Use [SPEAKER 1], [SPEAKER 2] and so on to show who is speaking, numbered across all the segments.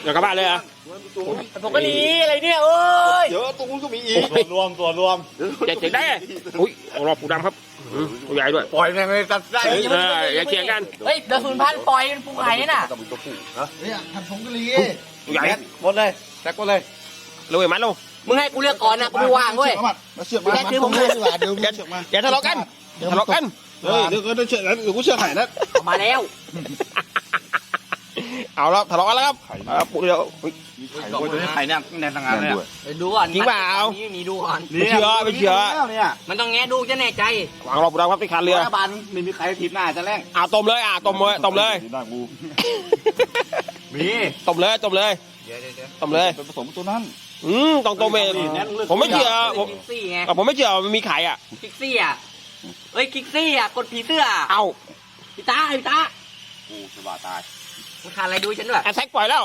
[SPEAKER 1] เดี๋ยวกลับบ้านเลยอ่ะ
[SPEAKER 2] ผมก็ดีอะไรเนี่ยโอ้ย
[SPEAKER 3] เดี๋ยวตรงนู้นก็มีอีก
[SPEAKER 4] ตัวรวม
[SPEAKER 1] เจ๋งได้อุ้ยรอปูดำครับตัวใหญ่ด้วย
[SPEAKER 4] ปล่อยแม่งเลยตัดได้
[SPEAKER 1] อย่าเถียงกัน
[SPEAKER 2] เฮ้ยเดี๋ยว0,000ปล่อยเป็นปูไข่น่ะ
[SPEAKER 3] ต้องมีตัวผู้นะ
[SPEAKER 4] เนี่ยทำผงกะหรี่
[SPEAKER 1] ตัวใหญ่
[SPEAKER 4] หมดเลยแจ็คหมดเลย
[SPEAKER 1] เลยมัดลง
[SPEAKER 2] มึงให้กูเลือกก่อนนะกูไม่ว่างเว้ย
[SPEAKER 3] มาเชือกมาเดี๋ยวเชือกมา
[SPEAKER 1] อย่าทะเลาะกันทะเลาะกัน
[SPEAKER 3] เฮ้ยเดี๋ยวก็เชือกแล้วเดี๋ยวกูเชือกไข่นะ
[SPEAKER 2] เอามาแล้ว
[SPEAKER 1] เอาแล้วทะเลาะกันแล้วครับปูเดียว
[SPEAKER 3] มีไข่
[SPEAKER 4] โอ้ยตัวนี้ไข่เนี่ยแน่นทางงานเลย
[SPEAKER 3] ด้วย
[SPEAKER 2] ไปดูก่อน
[SPEAKER 1] จริงเปล่า
[SPEAKER 2] นี่ดูก่อน
[SPEAKER 1] ไม่เชื่อไม่เชื่อ
[SPEAKER 4] เนี่ย
[SPEAKER 2] มันต้องแงะดูจะแน่ใจ
[SPEAKER 1] วางรอปูดำครับที่คานเรือ
[SPEAKER 4] รัฐบาลไม่มีใครทิพย์หน้าจะแรง
[SPEAKER 1] ต้มเลยต้มเลยต้มเลย
[SPEAKER 3] ได้กู
[SPEAKER 4] มี
[SPEAKER 1] ต้มเลยต้มเลย
[SPEAKER 4] เดี๋ยว
[SPEAKER 1] ต้มเลย
[SPEAKER 3] เป็นผสมตัวนั้น
[SPEAKER 1] ต้องต้มเองผมไม่เชื่อผม
[SPEAKER 2] คิกซี่ไง
[SPEAKER 1] ผมไม่เชื่อมันมีไข่อ่ะ
[SPEAKER 2] คิกซี่อ่ะเฮ้ยคิกซี่อ่ะกดผีเสื้อ
[SPEAKER 1] เอ้า
[SPEAKER 2] พี่ตา
[SPEAKER 3] กูสบายตาย
[SPEAKER 2] มึงขาดอะไรดูฉันด้วย
[SPEAKER 1] แอทแทกปล่อยแล้ว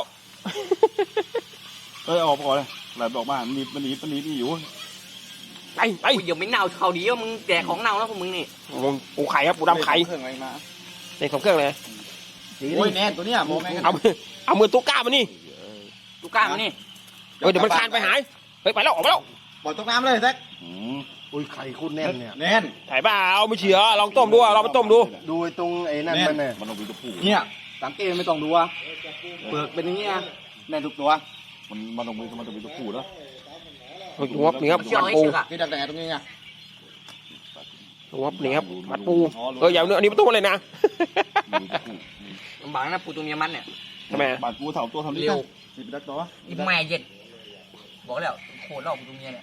[SPEAKER 3] เอ้ยออกก่อนเลยไหลบอกมามันหนีอยู่
[SPEAKER 1] ไปไป
[SPEAKER 2] กูยังไม่เน่าเขาดีว่ามึงแดกของเน่าแล้วพวกมึงนี่
[SPEAKER 1] ปูไข่ครับปูดำไข่
[SPEAKER 3] เครื่องอะไรมา
[SPEAKER 1] ในของเครื่องเลย
[SPEAKER 4] โอ้ยแน่นตัวเนี้ยโมแม่ง
[SPEAKER 1] เอามือตุ๊กก้ามานี่
[SPEAKER 2] กูกล้ามานี่
[SPEAKER 1] เดี๋ยวมันคานไปหายเฮ้ยไปแล้วออกไปแล้ว
[SPEAKER 4] ปล่อยตกน้ำเลยแจ็ค
[SPEAKER 3] อุ้ยไข่คุณแน่นเนี่ย
[SPEAKER 4] แน่น
[SPEAKER 1] ถ่ายเปล่าไม่เชื่อลองต้มดูลองไปต้มดู
[SPEAKER 3] ดูตรงไอ้นั่นมันเนี่ยมันต้องมีตัวผู้
[SPEAKER 4] เนี่ยสังเกตไม่ต้องดูอ่ะเปลือกเป็นอย่างนี้นะแน่นทุกตัว
[SPEAKER 3] มันต้องมีตัวผู้แล้ว
[SPEAKER 1] หัวนี่ครับ
[SPEAKER 2] เชื่อ
[SPEAKER 1] มัด
[SPEAKER 2] ไอ้
[SPEAKER 1] ปู
[SPEAKER 2] เชือกอ่ะ
[SPEAKER 4] นี่ดักแต่ตรงนี้ไง
[SPEAKER 1] หัวนี่ครับมัดปูอย่าเนื้ออันนี้ไม่ต้องเลยนะ
[SPEAKER 3] มีตัวผู้
[SPEAKER 2] ลำบากนะปูตัวเมียมันเนี่ย
[SPEAKER 1] ทำไม
[SPEAKER 3] บาดปูถามตัวทำนี่
[SPEAKER 2] เร็ว
[SPEAKER 3] สิบดักตัว
[SPEAKER 2] อีแม่เย็ดบอกแล้วโคตรรอบปูตัวเมียเนี่ย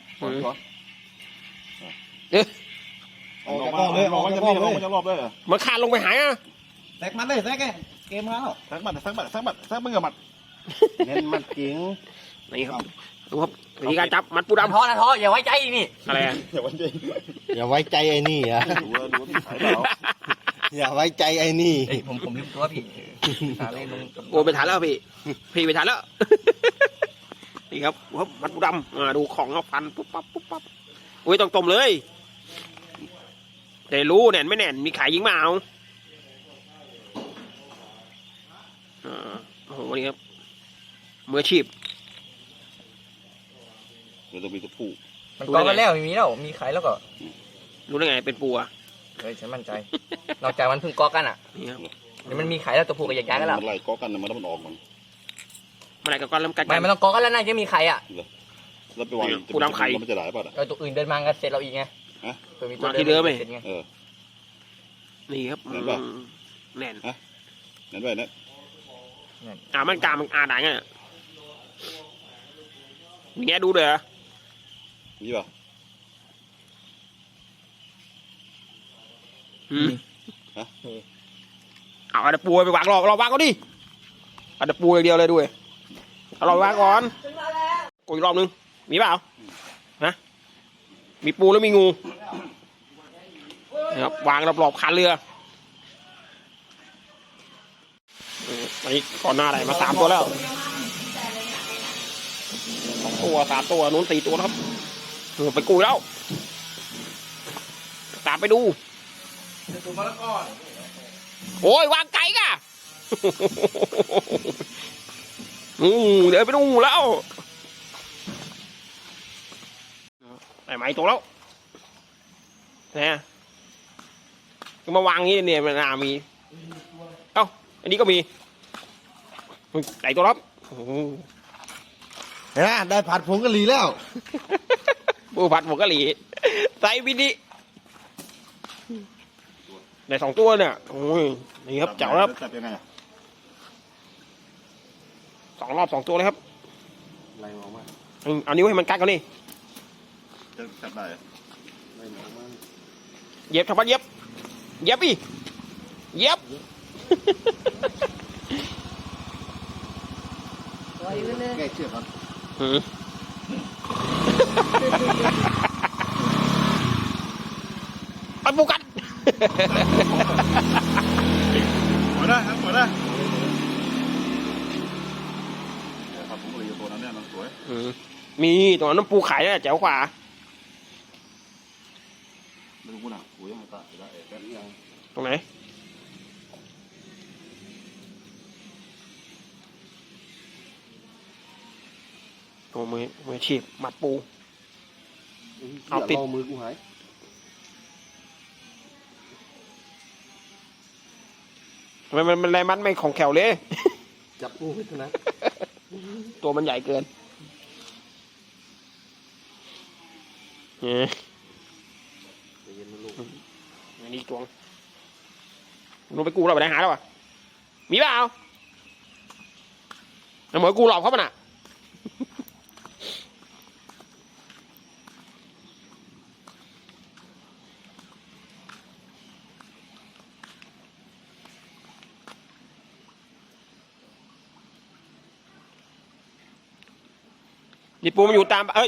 [SPEAKER 3] ออกจากรอบเลยออกจากรอบเลย
[SPEAKER 1] มันคานลงไปหายอ่ะ
[SPEAKER 4] แจ็คมันเลยแจ็คเกมแล้ว
[SPEAKER 3] สักบัดมึงกับมัดเน้นมัดจริง
[SPEAKER 1] นี่ครับดูครับวิธีการจับมัดปูดำ
[SPEAKER 2] ท้อนะท้ออย่าไว้ใจนี่
[SPEAKER 1] อะไร
[SPEAKER 3] อย่าวันจริง
[SPEAKER 5] อย่าไว้ใจไอ้นี่อ่ะ
[SPEAKER 3] ดูขายเปล่า
[SPEAKER 5] อย่าไว้ใจไอ้นี่
[SPEAKER 2] ผมลืมตัวพี่หาอะไรลง
[SPEAKER 1] โอ้ไปทันแล้วพี่ไปทันแล้วนี่ครับมัดปูดำดูของเอาฟันปุ๊บปั๊บปุ๊บปั๊บอุ้ยต้องต้มเลยแต่รู้แน่นไม่แน่นมีไข่ยิงมาเอาโอ้โหนี่ครับมืออาชีพ
[SPEAKER 3] เดี๋ยวต้องมีตัวผู้
[SPEAKER 2] มันกองกันแล้วมีแล้วมีใครแล้วก็
[SPEAKER 1] รู้ได้ไงเป็นปูอ่ะ
[SPEAKER 2] เฮ้ยฉันมั่นใจนอกจากมันเพิ่งกอกันอ่ะ
[SPEAKER 1] นี่ครับ
[SPEAKER 2] เดี๋ยวมันมีไข่แล้วตัวผู้กับใหญ่ๆกันแล้ว
[SPEAKER 3] มันไล่ก้อกันมันแล้วมันออกมัน
[SPEAKER 1] เมื่อไหร่ก็ก้อนแล้วกัด
[SPEAKER 2] ไม่มันต้องกอกันแล้วน่าจะมีไข่อ่ะ
[SPEAKER 3] แล้วไปวางมันจะหลายป่ะ
[SPEAKER 2] ตัวอื่นเดินมากันเสร็จเราอีกไงเผื่อมีตัวเดินเสร็จไง
[SPEAKER 1] นี่ครับแน่น
[SPEAKER 3] นั่นด้วยนะ
[SPEAKER 1] มันกามันได้ไงมีแง่ดูเลยเหรอ
[SPEAKER 3] นี่ป่ะ
[SPEAKER 1] เอาอันปูไปวางรอวางก็ดิอันปูอย่างเดียวเลยด้วยเอาเราวางก่อนกูอีกรอบนึงมีเปล่านะมีปูแล้วมีงูนะครับวางรอบๆคันเรืออันนี้ก่อนหน้าไหนมา3 ตัวแล้ว2 ตัว3 ตัวนู้น4 ตัวแล้วครับไปกุยแล้วตามไปดูโอ้ยวางไก่ก่ะเดี๋ยวไปดูแล้วไหนตัวแล้วเนี่ยมาวางนี้เนี่ยมันน่ามีเอ้าอันนี้ก็มีไหนตัวรับ
[SPEAKER 5] เห็นไหมได้ผัดผงกะหรี่แล้ว
[SPEAKER 1] ปูผัดผงกะหรี่ใส่วินิใน2 ตัวเนี่ยโอ้ยนี่ครับเจ๋วครับ
[SPEAKER 3] จับยังไง
[SPEAKER 1] 2 รอบ 2 ตัวเลยครับ
[SPEAKER 3] ไล่ออกมา
[SPEAKER 1] เอานิ้วให้มันกัดกันนี่
[SPEAKER 3] จะจับได้
[SPEAKER 1] เย็บชาวบ้านเย็บอีเย็บ
[SPEAKER 4] แกเชือกก่อน
[SPEAKER 1] ไปปูกัน
[SPEAKER 3] หมดได้ครับหมดได้ครับผมเลยตัวนั้นเนี่ยมันสวย
[SPEAKER 1] มีตัวนั้นปูไข่เนี่ยแจ๋วกว่า
[SPEAKER 3] ไม่รู้นะโอ้ยยังตาได้แค่นี้ยัง
[SPEAKER 1] ตรงไหนโอ้มือฉีบหมัดปู เอาติด
[SPEAKER 3] มือกูหาย
[SPEAKER 1] ทำไมมันแรงมัดไม่ของแขวเลย
[SPEAKER 3] จับปูให้เท่านั้น
[SPEAKER 1] ตัวมันใหญ่เกินเนี่ย
[SPEAKER 3] ใจเย็นนะลูก
[SPEAKER 1] อันนี้ตัวลงไปกูเราไปได้หาแล้วอ่ะมีเปล่าแล้วหมอกูหลอกเขามันอ่ะนี่ปูมันอยู่ตามเอ้ย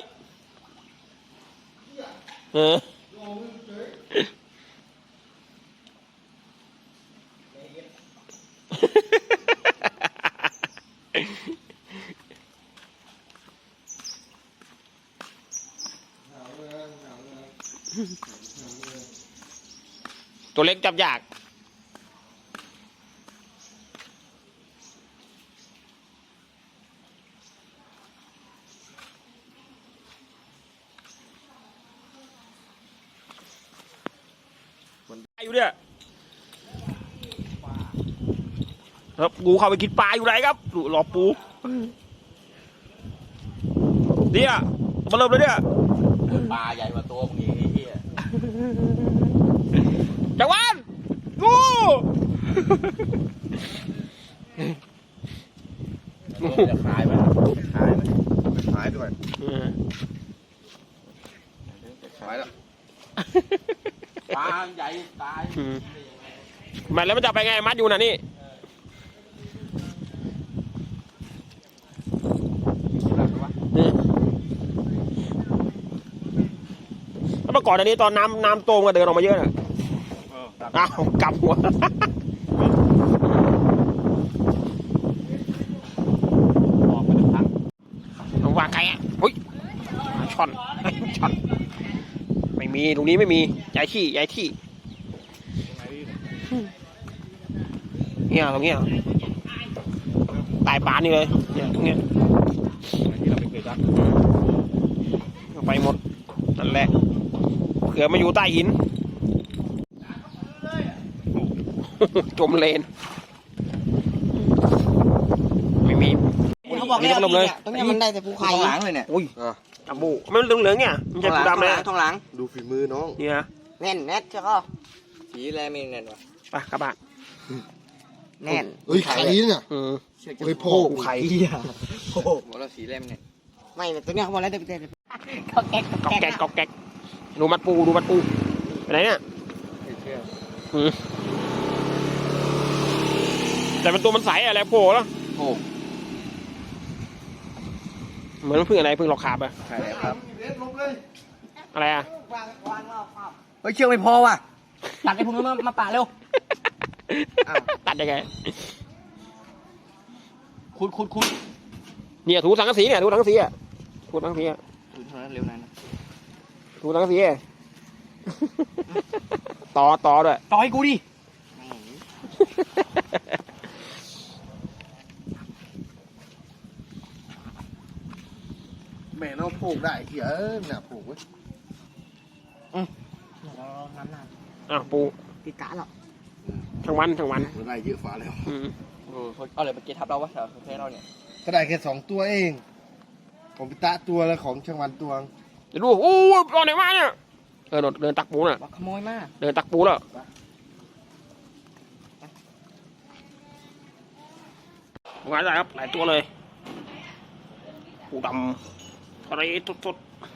[SPEAKER 1] ตัวเล็กจับยากมันได้อยู่เนี่ยครับกูเข้าไปกินปลาอยู่ไหนครับรอปูเนี่ยมาเริ่มเลยเนี่ย
[SPEAKER 4] ปลาใหญ่กว่าตัวมึงอีกไอ้เหี้ย
[SPEAKER 1] จังหวันกู
[SPEAKER 4] จะขายไหมขายไหม
[SPEAKER 3] หายด้วยหายแล้ว
[SPEAKER 4] ปลาใหญ่ตาย
[SPEAKER 1] มันแล้วมันจะไปไงมัดอยู่น่ะนี่แล้วเมื่อก่อนอันนี้ตอนน้ำโตมก็เดินออกมาเยอะน่ะอ้าวกลับหัววางไกลอ่ะอุ้ยช่อนช่อนไม่มีตรงนี้ไม่มีย้ายที่เนี่ยตรงเนี้ยตายปานนี่เลยเนี่ยตรงเนี้ย
[SPEAKER 3] ที่เราไม่เคยจับ
[SPEAKER 1] ไปหมดนั่นแหละเผื่อมาอยู่ใต้หิน จมเลนไม่มี
[SPEAKER 2] เขาบอกแล้ว
[SPEAKER 1] ลมเลย
[SPEAKER 2] ตรงนี้มันได้แต่ภูไข่
[SPEAKER 4] ข้างหลังเลยเนี่ย
[SPEAKER 1] อุ้ยจัมโบ้มันเหลืองๆเนี่ยมันจะ
[SPEAKER 4] ข้างหลั
[SPEAKER 1] ดำเลย
[SPEAKER 4] ข้างหลัง
[SPEAKER 3] ดูฝีมือน้อง
[SPEAKER 1] เนี่ย
[SPEAKER 2] แน่นแน่นใช่ป่ะ
[SPEAKER 4] สีแรไม่แน่นวะ
[SPEAKER 1] ไปกระบะ
[SPEAKER 2] แน่น
[SPEAKER 5] เฮ้ยไข่เนี่ย
[SPEAKER 1] อืม
[SPEAKER 5] เฮ้ยโผล่
[SPEAKER 1] ไข่
[SPEAKER 4] บอกแล้วสีแรไม่แน่น
[SPEAKER 2] ไม่ตัวเนี้ยเขาบอกแล้วแต่เขาแก๊ก
[SPEAKER 1] กอกแก๊กกอกแก๊กดูมัดปูไปไหนเนี่ย
[SPEAKER 4] ไม่เชื่อ
[SPEAKER 1] อืมแต่มันตัวมันใสอะไรโผล่แล้ว
[SPEAKER 4] โอ้
[SPEAKER 1] เหมือนพึ่งอะไรพึ่งหลอกขาบอะ
[SPEAKER 4] ใช่แล้วครับ
[SPEAKER 1] อะไรอะ
[SPEAKER 2] เฮ้ยเชือกไม่พอว่ะตัดไอ้พวกนี้มาปะเร็ว
[SPEAKER 1] ตัดยังไง
[SPEAKER 2] ขุด
[SPEAKER 1] เนี่ยถูสังกะสีเนี่ยถูสังกะสีอะถูสังกะสีอะ
[SPEAKER 4] ดูเท่านั้นเร็วนั้น
[SPEAKER 1] ถูสังกะสีอะต่อด้วย
[SPEAKER 2] ต่อให้กูดิ
[SPEAKER 5] แม่น้องผูกได้เหี้ยเนี่ยผูกไว้
[SPEAKER 2] น้ำหนัก
[SPEAKER 1] อ้าวปู
[SPEAKER 2] ติดกะหรอ
[SPEAKER 1] ทั้งวัน
[SPEAKER 5] เราได้เยอะฟ้าแล้ว
[SPEAKER 1] อืม
[SPEAKER 4] โอ้เอาเลยมาเกทับเราวะแถวประเทศเราเนี่ย
[SPEAKER 5] ก็ได้แค่2 ตัวเองของพิตะตัวแล้วของช่างวันตัว
[SPEAKER 1] เดี๋ยวดูโอ้ยตอนไหนมาเนี่ยเดินตักปูน่ะ
[SPEAKER 2] ว่าขโมยมาก
[SPEAKER 1] เดินตักปูแล้วงานอะไรครับหลายตัวเลยปูดำทะเลสดๆ